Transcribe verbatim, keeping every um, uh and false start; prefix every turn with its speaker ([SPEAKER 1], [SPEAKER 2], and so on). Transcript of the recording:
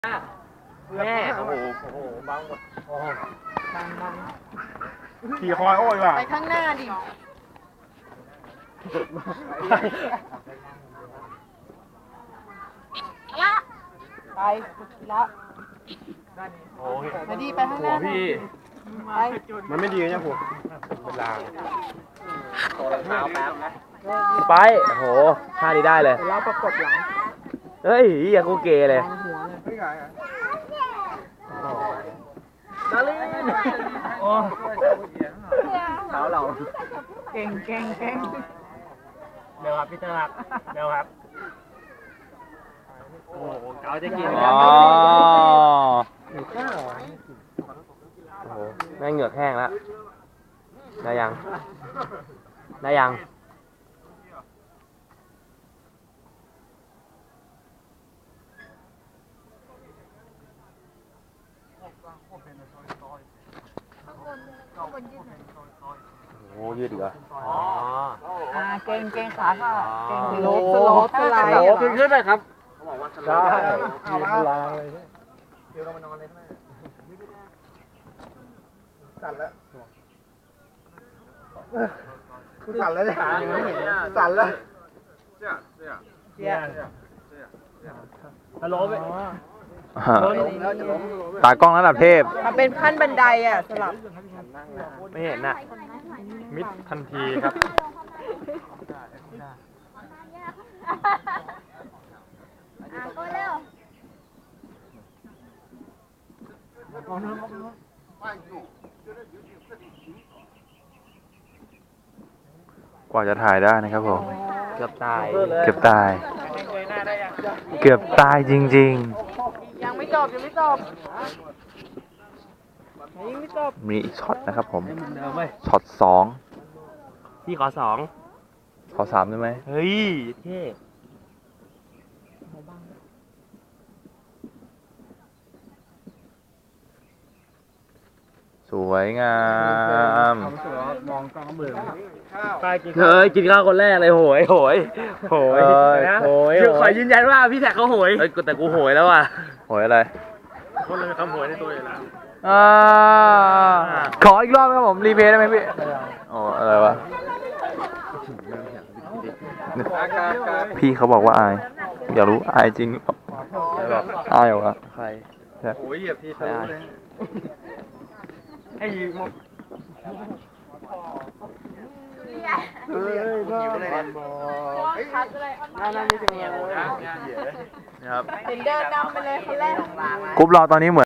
[SPEAKER 1] แม่โอ้โหโอ้โหบังหมดโอ้บังบังขี่คอยโอ้ยว่ะ
[SPEAKER 2] ไปข้างหน้าดิละไปละ
[SPEAKER 1] โอ้ย
[SPEAKER 2] ไปดีไปข้างหน้าพี่ไป
[SPEAKER 1] มันไม่ดีนะผมเป็นลางตัวรองเท้าแป๊บนะ
[SPEAKER 3] ไปโอ้โหท่านี้ได้เลย
[SPEAKER 2] เราประกบหลัง
[SPEAKER 3] เฮ้ยอย่ากูเกเลย
[SPEAKER 1] ดาลินโอ้เท้าเรา
[SPEAKER 2] เก่งเก่งเก่ง
[SPEAKER 1] เดี๋ยวครับพี่เตอร์ครับเดี๋ยวครับโอ้โหเขาจะกิน
[SPEAKER 3] อ๋อโอ้โหแม่งเหงือกแห้งแล้วได้ยังได้ยังโอ้ยืดอีกเหรออ๋อ
[SPEAKER 2] อ่าเก่งเก่งขาค่ะเก่งสโลปสโลปสไลด์
[SPEAKER 1] ขึ้นขึ้นเลยครับได้
[SPEAKER 2] เอาละ
[SPEAKER 1] ลางเลยเดี๋ยวเรามานอนเลยแม่สั่นแล้วสั่นแล้วเนี่ยสั่นแล้วเสียเสีย
[SPEAKER 2] เสีย
[SPEAKER 1] ฮัลโหลไป
[SPEAKER 3] ตากล้องระดับเทพ
[SPEAKER 2] มันเป็นขั้นบันไดอ่ะสลับ
[SPEAKER 3] ไม่เห็นน่ะ
[SPEAKER 1] มิดทันทีครับ
[SPEAKER 4] ก็เร็ว
[SPEAKER 5] กว่าจะถ่ายได้นะครับผม
[SPEAKER 3] เกือบตาย
[SPEAKER 5] เกือบตาย เกือบตายจริง
[SPEAKER 2] ยังไม่จบยังไม่จบยังไม่จบ
[SPEAKER 5] ๆ มีอีกช็อตนะครับผม ช็อตสอง
[SPEAKER 3] พี่ขอสอง
[SPEAKER 5] ขอสามได้ไหม
[SPEAKER 3] เฮ้ยเท่
[SPEAKER 5] สวยงาม
[SPEAKER 1] มองกล้องเบื่อ
[SPEAKER 3] เฮ้ยกินข้าวคนแรกเลยโหยโหยโหยนะโหยขอยืนยันว่าพี่แท็กเขาโหยเฮ้ยแต่กูโหยแล้วอ่ะ
[SPEAKER 5] โหยอะไร
[SPEAKER 1] คนเลยคำโหยในตัวอยู่แล้ว
[SPEAKER 5] อ่าขออีกรอบครับผม รีเพลย์ได้ไหมพี่อ๋ออะไรวะ พี่เขาบอกว่าอาย อยากรู้อายจริงหรือเปล่าอายเหรอวะ
[SPEAKER 3] ใคร
[SPEAKER 1] โอ้ยเหยียบทีทะลุเลยให้ยืมเฮ้ยบ้าเลยน่าน่าไม่ถึงเลย
[SPEAKER 5] นะครับ
[SPEAKER 2] เห็นเดินนำไปเลยคนแรก
[SPEAKER 5] กรุ๊ปเราตอนนี้เหมือน